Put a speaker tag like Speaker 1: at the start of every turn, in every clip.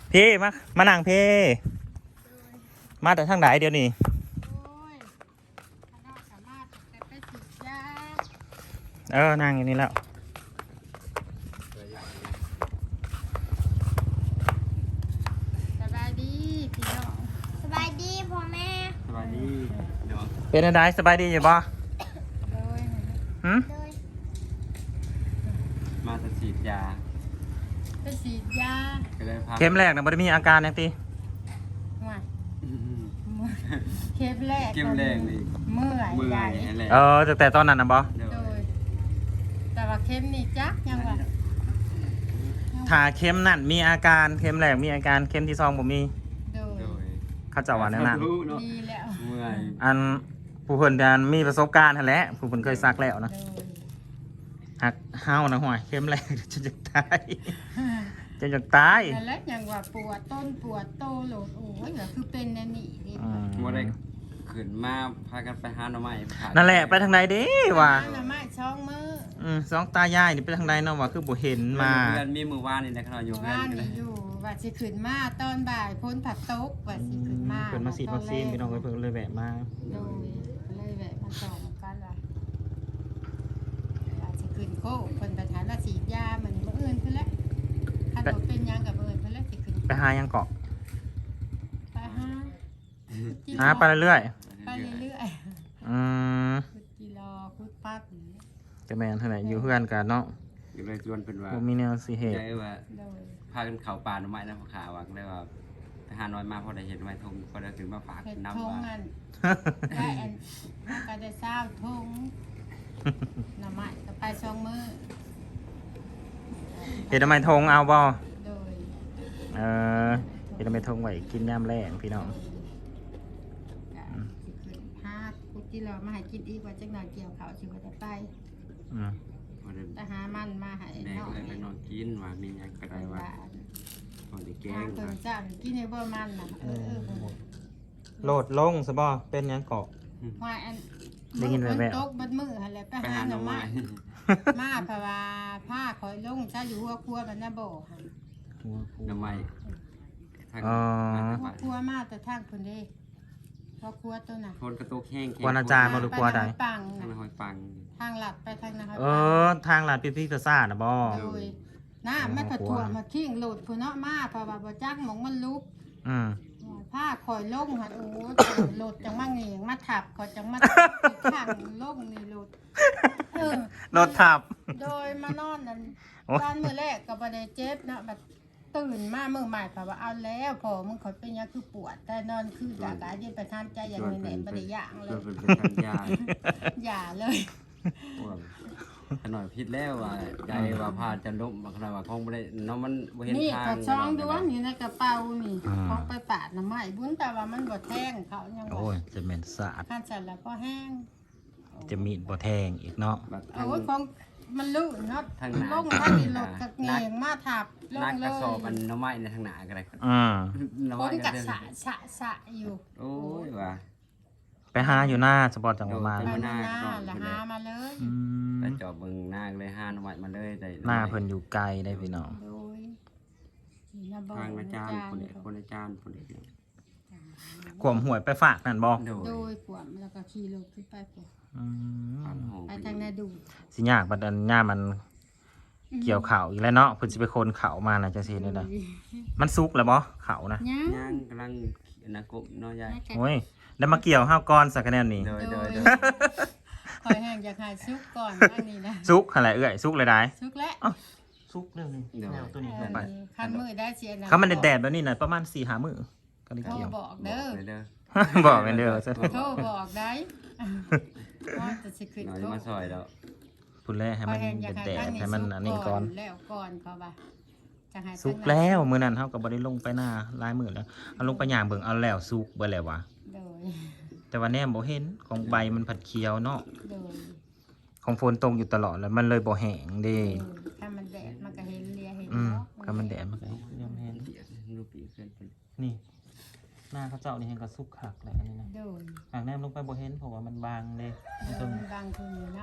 Speaker 1: พี่มานั่งพี่มาแต่ทางไหนเดี๋ยวนี้นั่งอย่างนี้แล้ว
Speaker 2: สบายดีพี่น้องสบายดีพ่อแม่
Speaker 3: สบายดีเนาะ
Speaker 1: เป็นอะไรสบายดีอยู่บ่หืม
Speaker 3: มาจะฉีดยา
Speaker 2: ไปฉีดยา
Speaker 3: ก็เลยพา
Speaker 1: เข็มแรกนะบ่ได้มีอาการยังตี
Speaker 2: เข็มแรก
Speaker 3: นี่
Speaker 2: เมื่อยใหญ่
Speaker 1: แต่ตอนนั้นนะบ่
Speaker 2: โดยแต่ว่าเข็มนี่จักยังว่า
Speaker 1: ถ้าเข็มนั่นมีอาการเข็มแรกมีอาการเข็มที่สองบ่มี
Speaker 2: โดย
Speaker 1: เขาจะว่าแนวนั้น
Speaker 2: ดีแล้ว
Speaker 3: เมื่อย
Speaker 1: อันผู้เพิ่นมีประสบการณ์นั่นแหละผู้เพิ่นเคยซักแล้วนะหักเฮานะห่วยเข็มแรกจะตายจะตาย
Speaker 2: นั่นแหละยังว่าปวดต้นปวดโตโหลดโอ้ยก็คือเป็นแน่นี่นี่
Speaker 3: บ่ได้ขึ้นมาพากันไปหาหน่อไม้
Speaker 1: นั่นแหละไปทางใดเด้ว่า
Speaker 2: หน่อไม้ช่องมือ
Speaker 1: สองตายายนี่ไปทางใดเนาะว่าคือบ่เห็นมา
Speaker 3: เพื่อนมีมือวานนี่นะครับอยู่เพื่อน
Speaker 2: นี่อยู่ว่าสิขึ้นมาตอนบ่ายพ้นผัดตกว่าสิขึ้นมา
Speaker 1: เพิ่นมาฉีดวัคซีนพี่น้องเพิ่นเลยแวะมา
Speaker 2: โดยเลยแวะมาส่องกันว่าสิขึ้นโคเพิ่นไปถามว่าฉีดยามื้อนี้มื้ออื่นเพิ่นแล้วคันบ่เป็นหยังกับมื้ออื่นเพิ่นแล้วสิขึ้น
Speaker 1: ไปหายังเกาะ
Speaker 2: ไป
Speaker 1: หาไปเรื่อย
Speaker 2: ไปเรื่อยคุดกิโลคุดปั๊บ
Speaker 1: แต่แม่นเท่าไหร่อยู่เพื่อนกันเนาะ
Speaker 3: อยู่เลยชวนเพิ่นว่า
Speaker 1: มีแนวสิเหตุ
Speaker 3: ใช่ว่าพากันเข้าป่าหน่อไม้นะพ่อขาว่าเลยว่าทหารน้อยมาพอได้เห็นไม้ทงพอได้ถึงมาฝากน้ำว่า
Speaker 2: ได้อันก็ได้เศร้าทงหน่อไม้ก็ไป2 มื้อ
Speaker 1: เฮ็ดทำไมทงเอาบ่
Speaker 2: โดย
Speaker 1: เฮ็ดทำไมทงไว้กินยามแลงพี่น้อง
Speaker 2: คุดกิโลมาให้กินอีกว่าจักหน่อยเกี่ยวข้าวสิบ่ได้ไปแต่หามันมาให้
Speaker 3: น้องไปนอนกินว่ามีหยังก็ได้ว่าพอได้แกง
Speaker 2: เพิ่นจ้างกินให้บ่มันน่ะ
Speaker 1: โหลดลงซะบ่เป็นหยังเกาะ
Speaker 2: ว่าอันได้ยินแว่วๆตกบัดมื้อหั่นแหละไปหาหน่อไม้มาเพราะว่าผ้าข่อยลงจ้าอยู่หัวครัวมันน่ะบ่หั่น
Speaker 3: หน่อไม้
Speaker 2: หัวครัวมาแต่ทางเพิ่นเด้หัวครัวตัวน่ะ
Speaker 3: คนกระโตกแห้ง
Speaker 1: กวนอาจารย์บ่หรือครัวใด
Speaker 3: ทางหอยปัง
Speaker 2: ทางลัดไปทางนะครับ
Speaker 1: ทางลัดพี่ๆซ่าน่ะบ่
Speaker 2: โดยน้ามันผัดถั่วมาขิงโหลดพุ่นเนาะมาเพราะว่าบ่จักหมองมันลุกผ้าข่อยลงหั่นโอ้โหลดจังมาเงียงมาทับข่อยจังมาข้างลงนี่โหลด
Speaker 1: โหลดทับ
Speaker 2: โดยมานอนนั่นตอนมื้อแรกก็บ่ได้เจ็บเนาะบัดตื่นมามื้อใหม่เพราะว่าเอาแล้วพอมึงข่อยเป็นหยังคือปวดแต่นอนคือกะเย็นไปทานใจอย่างนี้แหละบ่ได้ย่างเลยอย่าเลย
Speaker 3: ขน่อยพิษแล้วว่าใจว่าพาจะล้มขนาดว่าคงบ่ได้น้องมันบ่เห็นทาง
Speaker 2: นี่ก็ช่องดวงนี่ในกระเป๋านี่ของไปปาดน้ำไม้บุญแต่ว่ามันบ่แทงเขายัง
Speaker 1: โอ้ยจะแม่นสะอาด
Speaker 2: คันเสร็จแล้วก็แห้ง
Speaker 1: จะมีดบ่แทงอีกเนาะ
Speaker 2: โอ้ยของมันลื่นเนาะลงทางนี้รถกระเงียงมาทับลงเลย
Speaker 3: นักกระสอบมันน้ำไม้ในทางหน้าก็ได้
Speaker 2: คนกัดสะอยู่
Speaker 3: โอ้ยว่ะ
Speaker 1: ไปหาอยู่หน้าสปอร์ตจังหวัดมา
Speaker 2: ไปหน้าแล้วหามาเลย
Speaker 3: ไปจอบเบิ่งหน้าเลยหาหน่อไม้มาเลยได้
Speaker 1: หน้าเพิ่นอยู่ไกลได้พี่น้อง
Speaker 3: ทางอาจารย์คนอาจารย์คนเด็ก
Speaker 1: ขวมหวยไปฝากนั่นบ่
Speaker 2: โดยขวมแล้วก็ขี่รถขึ้นไปไปทางนาดู
Speaker 1: สิยากบัดอันย่ามันเกี่ยวเข่าอีกแล้วเนาะเพิ่นสิไปโคนเข่ามาน่ะจังซี่นี่นะมันสุกแล้วบ่เข่านะ
Speaker 3: ย่างกำลังนะกบเนาะยาย
Speaker 1: โอ้ยได้มาเกี่ยวห้าวก่อนสักคะแนนนี่
Speaker 2: คอยแห้งอยากหายซุกก่อนอันนี้นะ
Speaker 1: ซุกอะไรซุกเลยได้
Speaker 2: ซุกแล้ว
Speaker 1: ซุกเรื่องนี้แนวตัวนี้
Speaker 2: ไปคันมือได้เสียนะ
Speaker 1: เขามันแดดแบบนี้น่ะประมาณ 4-5 มื้อก็ได้เกี่ยว
Speaker 2: บอกเด้อ
Speaker 1: บอกกันเด้อ
Speaker 2: โทรบอกได้ว่าจะสิขึ้นโทร
Speaker 3: มาซอยแล้ว
Speaker 1: พูดแล้วให้มันแดดให้มันอันนี้ก่อน
Speaker 2: แล้วก่อนเขาว่า
Speaker 1: ซุกแล้วมื้อนั้นเฮาก็บ่ได้ลงไปหน้าลายมื้อแล้วเอาลงไปย่างเบิ่งเอาแล้วซุกเบิดแล้ววะแต่ว่าแนมบ่เห็นของใบมันผัดเขียวเนาะของฝนตกอยู่ตลอดแล้วมันเลยบ่แห้งเด้
Speaker 2: ถ้ามันแดดมันก็เห็นเลียเห็น
Speaker 1: เนาะถ้ามันแดดมันก็เห็นนี่หน้าเขาเจ้านี่เห็นก็สุกคักแหละอันนี้นะหางแนมลงไปบ่เห็นเพราะว่ามันบางเด้
Speaker 2: มันบางตรงนี้เนาะ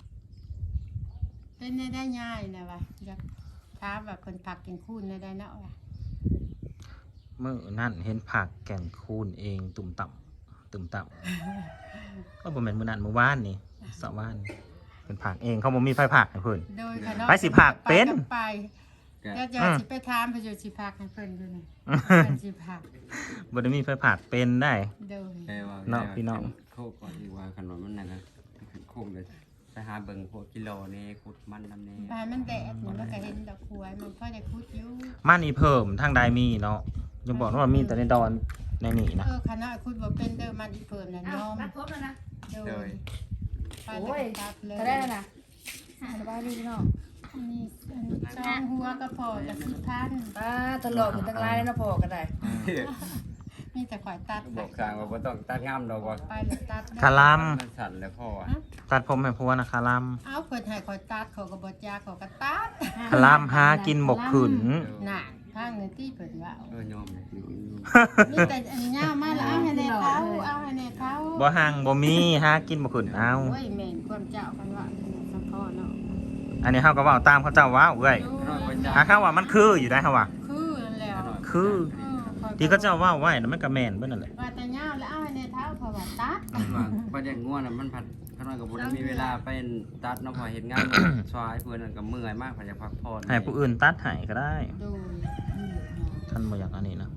Speaker 2: เป็นได้ง่ายนะว่ะอยากถามว่าเพิ่นผักกินคูนได้เนาะว่ะ
Speaker 1: มื้อนั่นเห็นผักแก่นคูนเองตุ่มต่ำก็บ่แม่นมื้อนั้นมื้อวานนี่สะวานเป็นผักเองเขาบ่มีไฟผักให้เพิ่น
Speaker 2: โดยค่ะเนาะ
Speaker 1: ไปสิผักเป็น
Speaker 2: ไปแล้วจะสิไปถามเพนอยู่สิผักให้เพิ่นอยู่นี่เพิ่นสิผัก
Speaker 1: บ่ได้มีไฟผักเป็นได้
Speaker 2: โดย
Speaker 1: เนาะพี่น้อง
Speaker 3: โคกก่อนดีกว่าขนมมันนั่นนะขึ้นโคกเลยไปหาเบิ่งพวกกิโลนี่ขุดมันนำนี่
Speaker 2: บานมันแดดนี่มันก็เห็นดอกหวยมันพอได้คุดอยู่
Speaker 1: มันอีเพิ่มทางใดมีเนาะอย่าบอกว่ามีแต่ในดอนในนี่นะ
Speaker 2: คณะคุดบ่เป็นเด้อมันอีเพิ่มน่ะยอม
Speaker 4: รัดครบแล้วนะ
Speaker 2: โดยไปแล้วก็ตัดเลย
Speaker 4: ก็ได้แล้วนะสบายดีพี่น้อง
Speaker 2: มีช่องหัวก็พอกับ10,000
Speaker 4: ป้าตลอดถึงตั้งไลน์แล้วนะพอก็ได้
Speaker 2: มีแต่ข่อยตัด
Speaker 3: บอกสร้างว่าบ่ต้องตัดงามดอกว่า
Speaker 2: ไปแล้วตัด
Speaker 1: คาลัม
Speaker 3: มันสั่นแล้วพ่ออ่ะ
Speaker 1: ตัดผมให้ผัวนะคาลัม
Speaker 2: เอาเพิ่นให้ข่อยตัดเขาก็บ่จ้าเขาก็ตัด
Speaker 1: คาลัมหากินบกขืน
Speaker 2: น่ะทางเงินที่เพิ่นว่า
Speaker 3: ยอมเลย
Speaker 2: มีแต่อันนี้ย่ามาแล้วเอาให้แน่เขาเอาให้แน่เขา
Speaker 1: บ่ห่างบ่มีหากินบกขืนเอา
Speaker 2: โอ้ยแม่นความเจ้ากันว่าสัมพ่อเนาะ
Speaker 1: อันนี้เฮาก็เว้าตามเขาเจ้าเว้าเอ้ยหาข้าวว่ามันคืออยู่ได้เฮาว่า
Speaker 2: คือนั่นแหละ
Speaker 1: คือที่เขาเจ้าเว้าไว้น่ะมันก็แม่นเบิดนั่นแหละ
Speaker 2: ว่าแต่ย่าแล้วเอาให้แน่เท้าเขาว่าตัด
Speaker 3: ประเด็นง่วงน่ะมันผัดขน้อยกับบ่ได้มีเวลาไปตัดเนาะพอเฮ็ดงานซอยเพิ่นนั่นก็เมื่อยมากพอจะพักผ่อน
Speaker 1: ให้ผู้อื่นตัดให้ก็ได้
Speaker 2: ดู
Speaker 1: ท่านบ่อยากอันนี้นะ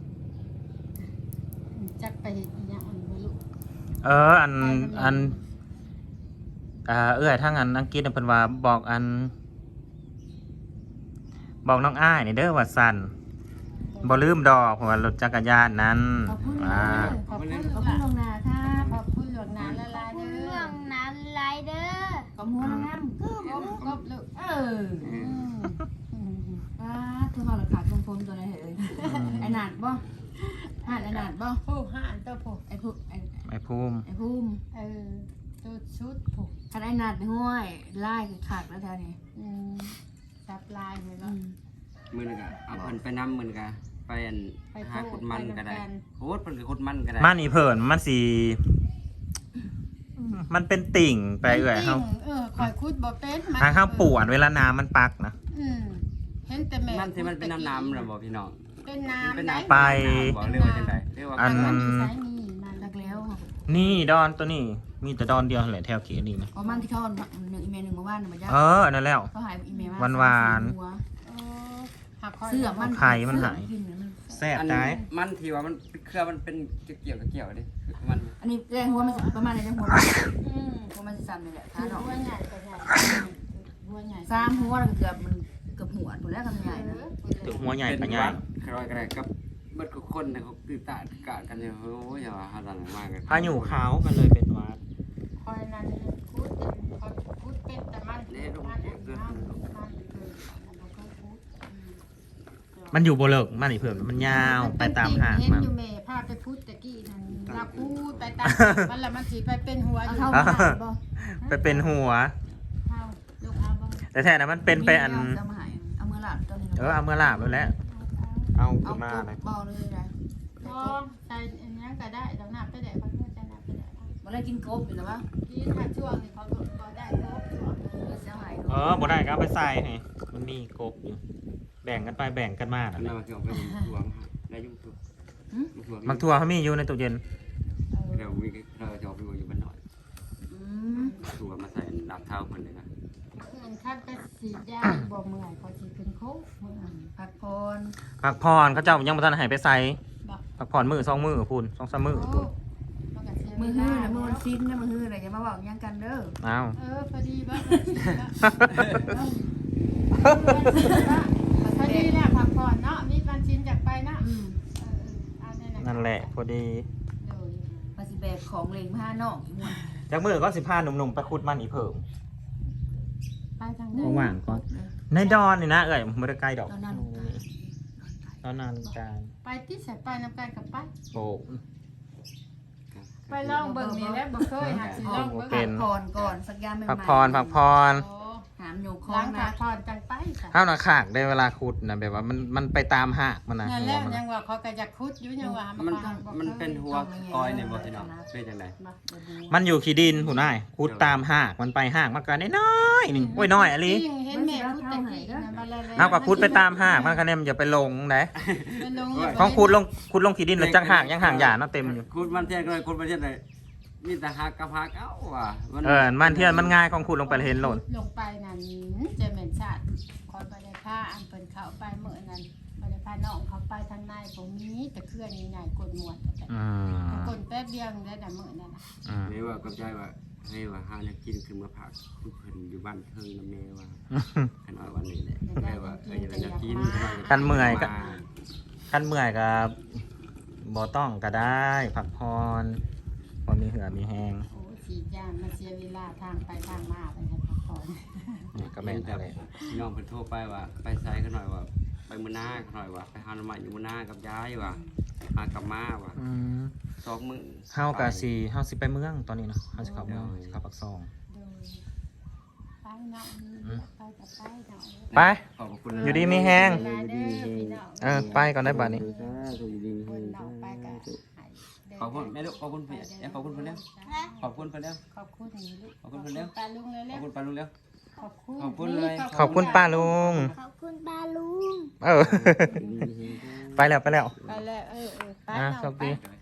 Speaker 2: จักไปเฮ็ดอีหยังอันบ่รู้
Speaker 1: อันเอื้อยทางอังกฤษน่ะเพิ่นว่าบอกบอกน้องอ้ายนี่เด้อว่าสั่นบ่ลืมดอกเพราะว่ารถจักรยานนั้น
Speaker 2: ขอบคุณ
Speaker 1: อ่า
Speaker 2: ขอบคุณขอบคุณลงนาค่ะขอบคุณหลวงนาละลายเด้
Speaker 5: เรื่
Speaker 2: อ
Speaker 5: องนั้นไรเดอร์
Speaker 4: ก็มัวน้ำคือ
Speaker 2: ครบครบลูก
Speaker 4: เออป้าคือเขาหลักขาดตรงพรมตัวไหนเหรอไอ้หนาดบ่ไอ้หนาดบ่
Speaker 2: ผู้ห่านตัวผู้
Speaker 4: ไอ้ผู้ไอ้
Speaker 1: ไอ้ภูมิ
Speaker 4: ไอ้ภูมิ
Speaker 2: ตัวชุดผู้
Speaker 4: คันไอ้หนาดในห้วยไล่คือขาดแล้วแท้นี่
Speaker 2: ซับลายเลยเนาะ
Speaker 3: มื้อนึงก็เอาเพิ่นไปนำมื้อนึงก็ไปอันหาขุดมันก็ได้โหดเพิ่นก็ขุดมันก็ได้
Speaker 1: มันอีเพิ่นมันสิมันเป็นติ่งไปเอื้อยเฮา
Speaker 2: คอยคุดบ่เป็น
Speaker 1: ทางเฮาปวดเวลาน้ำมันปักนะ
Speaker 2: เห็นแต่แม่
Speaker 3: มันที่มันเป็นน้ำน่ะบ่พี่น้อง
Speaker 2: เป็นน้ำ
Speaker 3: เป็น
Speaker 2: ไหน
Speaker 3: น้ำบอกเรียกว่าจังไดเรียกว่า
Speaker 1: อัน
Speaker 2: มันใช้นี่มัน
Speaker 4: รักแล้ว
Speaker 1: นี่ดอนตัวนี้ มีแต่ดอนเดียวแหละแถวเขตนี่นะ
Speaker 4: เพราะมันที่เขาหนึ่งอีเมลหนึ่งมาว่านมาย่า
Speaker 1: นั่นแล้ว
Speaker 4: เขาหายอีเมล
Speaker 1: หวาน
Speaker 4: เสื้อมัน
Speaker 1: ไข่มันหาย
Speaker 4: กินมัน
Speaker 1: แซ่บ
Speaker 3: อัน
Speaker 1: ได้
Speaker 3: มันที่ว่ามันเครือมันเป็นเกี่ยวกับเกี่ยวดิมัน
Speaker 4: อันนี้แรงหัวมันประมาณไหนแรงหัวหัวมันซ้ำนี่แหละ
Speaker 2: คื
Speaker 4: ขา
Speaker 2: อ
Speaker 4: ดอก
Speaker 2: หัวใหญ่ก็ใหญ่หัวใหญ่
Speaker 4: ซ้ำหัวมันเกือบหัวถูกแล้วกันใหญ่นะ
Speaker 1: ถึงหัวใหญ่ปะใหญ่
Speaker 3: ครอยกระไรกับเบิดทุกคนนะเขาตื่นตากะกันอยู่โอ้ยอย่าว่าหาดันมากกัน
Speaker 1: พายุขาวกันเลยเป็นหวัด
Speaker 2: คอยนั้นคุดคุดเป็นแต่มันมันคือ
Speaker 1: มันอยู่บ่เลิกมันอีเพิ่นมันยาวไปตามหาง
Speaker 2: เห็น
Speaker 1: มัน
Speaker 2: อยู่แม่พาไปพูดตะกี้นั่นลาพูดไปตามมันละมันสิไปเป็นหัวอยู่
Speaker 4: เท่ากันบ่
Speaker 1: ไปเป็นหัว
Speaker 2: เท่าลูกเอาบ่
Speaker 1: แต่แท้นะมันเป็นไปอัน
Speaker 4: เอามาหายเอามือหลับตอนนี้
Speaker 1: เอามือลาบแล้วแหละเอา
Speaker 4: เอา
Speaker 1: ขึ้นมาเลย
Speaker 4: เบาเลยนะ
Speaker 2: พอใส่อันนี้ก็ได้ดอกหน้าไปได้พักเพื่อจะหน้าไปได้
Speaker 4: มาเลยกินกบอยู่แล้ววะ
Speaker 2: กินถ้าช่วงนี้เขาก็ได้ครบช่วง
Speaker 4: เสียหาย
Speaker 1: บ่ได้ก็เอาไปใส่ให้มันมีกบอยู่แบ่งกันไปแบ่งกันมา
Speaker 3: อั
Speaker 1: นั่
Speaker 3: น
Speaker 1: นแห
Speaker 3: นั้
Speaker 1: ละ
Speaker 3: นที่ออกไปทวงได้ยุ่งทุก
Speaker 1: บางทัวเขามีอยู่ในตู้เย็น
Speaker 3: เดี๋ยวมีเราจะออกไปอยู่บ้านหน่อยตัวมาใส่ดับเท้าคนเลยนะ
Speaker 2: เงินคัดไปสีดยาบ่เมื่อยเขาสิเป็นโค้ง
Speaker 4: พักพร
Speaker 1: ผักพรเขาเจ้ายังบ่ทันให้ไปใส่
Speaker 2: บ่
Speaker 1: ผักพรมื้อ2มื้อพุ่น2-3มื้อพุ่น
Speaker 4: มือหื้อนะมือมันซิ้นนะมือหื้ออะไรจะมาบอกยังกันเด้อ
Speaker 1: อ้าว
Speaker 2: พอดีบ้างพอดีแหละพักผ่อนเนาะมีวันชินจากไปนะ
Speaker 1: นั่นแหละพอดี
Speaker 4: มาสิแบกของเล็งผ้าน้องอีกหมด
Speaker 1: จากมื้อก็สิพาหนุ่มๆไปขุดมันอีเพิ่ม
Speaker 2: ไปทาง
Speaker 1: ว่างก่อนในดอนนี่นะเอ้ยบ่ได้ไกลดอก
Speaker 4: ตอนนั้น
Speaker 1: ตอนนั้นกลาง
Speaker 2: ไปที่สายไปน้ำกันกับไป
Speaker 1: โอ้
Speaker 2: ไปลองเบิ่งนี่แหละบ่เคยหาสิลองเบิ่ง
Speaker 4: พักผ่อนก่อนสักยามใหม่
Speaker 1: พักพรพักพร
Speaker 2: โอ้
Speaker 4: ถามอยู่คอ
Speaker 2: ล้าง ง
Speaker 4: นะ
Speaker 2: ขาพรจังไปค่ะ
Speaker 1: เฮาน่ะขากได้เวลาขุดน่ะแบบว่ามันไปตามหากมันน่ะ
Speaker 2: นั่น
Speaker 1: หั
Speaker 2: แห
Speaker 1: ว
Speaker 2: ละ
Speaker 1: มัน
Speaker 2: ยั
Speaker 1: น่ะ
Speaker 2: งว่าเขาก็จะคุดอยู่ยังว่า
Speaker 3: มัน
Speaker 2: ขาบ่
Speaker 3: มัน
Speaker 2: คย
Speaker 3: เป็นหัวกอยเนี่ยบ่พี่น้องเป็นจังได๋
Speaker 2: บ่บ่ดู
Speaker 1: มันอยู่ขี้ดินผู้นายขุดตามหากมันไปหากมันก็น้อยๆนึงโอ้ยน้อยอะลิ
Speaker 2: จริงเห็นแม่คุดตะกี้นะมาแล้วๆ
Speaker 1: เอาก็ขุดไปตามหากมันก็แน่มันอย่าไปลงเด้
Speaker 2: มันลง
Speaker 1: ของขุดลงขี้ดินแล้วจังหากยังหางหญ้าเนาะเต็มอยู่
Speaker 3: คุณมันเทียนก็เลยคุณมันเทียนเลยมีแต่หักกับหักเอ้าว่ะ
Speaker 1: มันเที่ยนมันง่ายของขุดลงไปเห็นโหล่น
Speaker 2: ลงไปนั่นจะเหม็นชาติคอยไปได้ผ้าอันเปิ่นเขาไปเมื่อนั้นไปได้ผ้าน้องเขาไปทางในผมมีแต่เครื่องใหญ่ๆกดหมวดแต่
Speaker 1: อืม
Speaker 2: กดแป๊บเดียวได้แต่เมื่อนั้นน่ะ
Speaker 1: อืม
Speaker 3: แม่ว่ากับใจว่าให้ว่าหาเนี่ยกินคือมาผักทุกเพิ่นอยู่บ้านเทิงนำแม่ว่าคันว่าวันนี้แหละแม่ว่าอยากกิน
Speaker 1: คันเมื่อยก็บ่ต้องก็ได้พักผ่อนบ่มีเหือมีแฮง
Speaker 2: โอ้ฉีดยามาเสียเวลาทางไปทางมาไปให้พักผ่อน
Speaker 1: นี่ก็แม่น
Speaker 3: แต่
Speaker 1: อะไร
Speaker 3: พี่น้องเพิ่นโทรไปว่าไปไสกันหน่อยว่าไปมื้อหน้ากันหน่อยว่าไปหาหน่อไม้อยู่มื้อหน้ากับยายว่าหากับมาว่า
Speaker 1: อืม
Speaker 3: 2 มื้อ
Speaker 1: เฮาสิไปเมืองตอนนี้เนาะเฮาสิเข้าเมืองสิเข้าปากซอง
Speaker 2: โดยไปเนาะไปกับไปเนาะ
Speaker 1: ไป
Speaker 3: ขอบคุณ
Speaker 1: อยู่ดีมีแฮง
Speaker 2: เวลาเด้อพี่น้อง
Speaker 1: ไปก่อนได้บัดนี้
Speaker 3: อยู่ดี
Speaker 2: คนน้องไปก็ให้เด้
Speaker 3: ขอบคุณแม่ลูกขอบคุณพี่ขอบคุณเพิ่นแล้วขอบคุณเพิ่นแล้ว
Speaker 2: ขอบคุณนี่ลูก
Speaker 3: ขอบคุณเพิ่นแล้ว
Speaker 2: ปลาลุงเลย
Speaker 3: ข
Speaker 2: แล้
Speaker 3: อบ
Speaker 2: ว
Speaker 3: คุณปาลุงแล้ว
Speaker 2: ขอบคุณ
Speaker 3: ขอบคุณเลย
Speaker 1: ขอบคุณป้าลุง
Speaker 5: ขอบคุณป้าลุง
Speaker 1: ไปแล้ว
Speaker 2: ไปแล้วไป
Speaker 1: อ่ะ
Speaker 2: เนาะ
Speaker 1: โชคดี
Speaker 2: ไป